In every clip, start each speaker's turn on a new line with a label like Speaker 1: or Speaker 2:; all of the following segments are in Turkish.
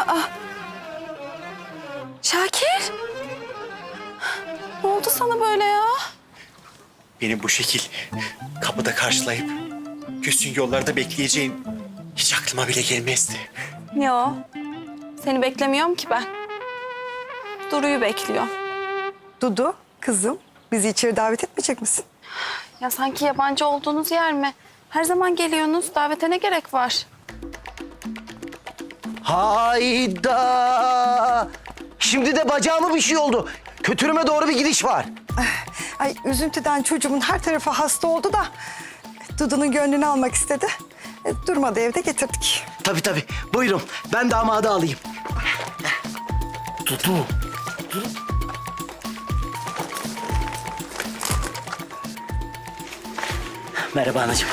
Speaker 1: Aa. Şakir. Ne oldu sana böyle ya?
Speaker 2: Benim bu şekil kapıda karşılayıp küsün yollarda bekleyeceğin hiç aklıma bile gelmezdi.
Speaker 1: Yo. Seni beklemiyorum ki ben. Duru'yu bekliyorum.
Speaker 3: Dudu, kızım bizi içeri davet etmeyecek misin?
Speaker 1: Ya sanki yabancı olduğunuz yer mi? Her zaman geliyorsunuz. Davete ne gerek var?
Speaker 4: Hayda! Şimdi de bacağıma bir şey oldu. Kötürüme doğru bir gidiş var.
Speaker 3: Ay üzüntüden çocuğumun her tarafı hasta oldu da Dudu'nun gönlünü almak istedi. Durmadı evde getirdik.
Speaker 4: Tabii. Buyurun. Ben damadı alayım.
Speaker 2: Dudu.
Speaker 4: Merhaba anacığım.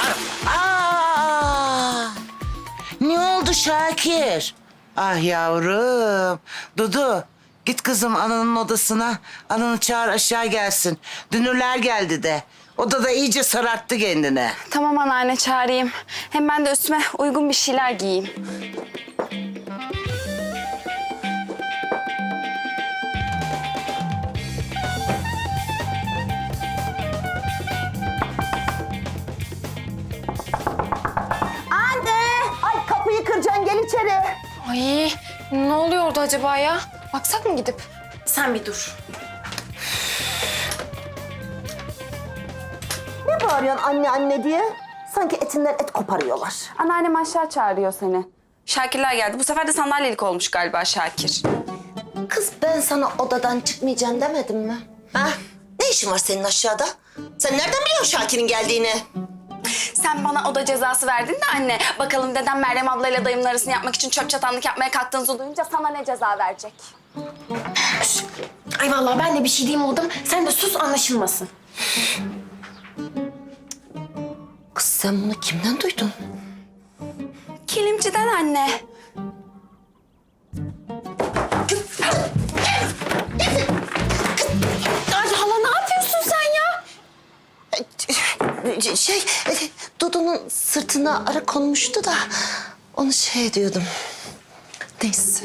Speaker 5: Aa! Ne oldu Şakir? Ah yavrum. Dudu, git kızım ananın odasına. Ananı çağır aşağı gelsin. Dünürler geldi de. Odada iyice sararttı kendine.
Speaker 1: Tamam anneanne çağırayım. Hem ben de üstüme uygun bir şeyler giyeyim.
Speaker 5: Ay kapıyı kıracaksın, gel içeri.
Speaker 6: Ay ne oluyor orada acaba ya? Baksak mı gidip? Sen bir dur.
Speaker 5: Ne bağırıyorsun anne diye? Sanki etinden et koparıyorlar.
Speaker 1: Anneannem aşağı çağırıyor seni. Şakirler geldi. Bu sefer de sandalyelik olmuş galiba Şakir.
Speaker 7: Kız ben sana odadan çıkmayacaksın demedim mi? Ha? Ne işin var senin aşağıda? Sen nereden biliyorsun Şakir'in geldiğini?
Speaker 1: Sen bana oda cezası verdin de anne. Bakalım dedem Meryem ablayla dayımın arasını yapmak için çöp çatanlık yapmaya kalktığınızı duyunca sana ne ceza verecek?
Speaker 6: Ay vallahi ben de bir şey diyeyim oldum. Sen de sus anlaşılmasın.
Speaker 7: Kız sen bunu kimden duydun?
Speaker 1: Kilimciden anne.
Speaker 6: Ay hala ne yapıyorsun sen ya?
Speaker 7: Dudu'nun sırtına ara konmuştu da onu şey diyordum. Neyse.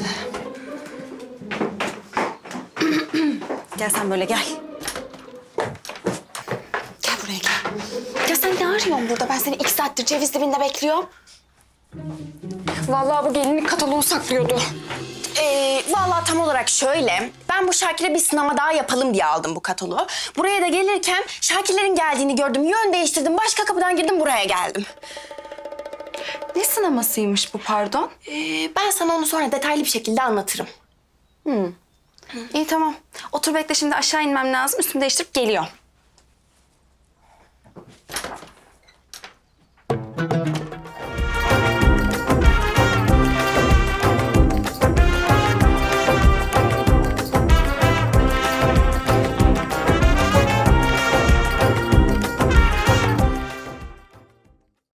Speaker 1: Gel sen böyle gel. Gel buraya gel.
Speaker 6: Ya sen ne arıyorsun burada? Ben seni 2 saattir ceviz dibinde bekliyorum. Vallahi bu gelinlik kataloğu saklıyordu.
Speaker 8: Vallahi tam olarak şöyle. Ben bu Şakir'e bir sınama daha yapalım diye aldım bu kataloğu. Buraya da gelirken Şakir'lerin geldiğini gördüm. Yön değiştirdim. Başka kapıdan girdim buraya geldim.
Speaker 1: Ne sınamasıymış bu pardon?
Speaker 8: Ben sana onu sonra detaylı bir şekilde anlatırım.
Speaker 1: İyi tamam. Otur bekle şimdi aşağı inmem lazım. Üstümü değiştirip geliyorum.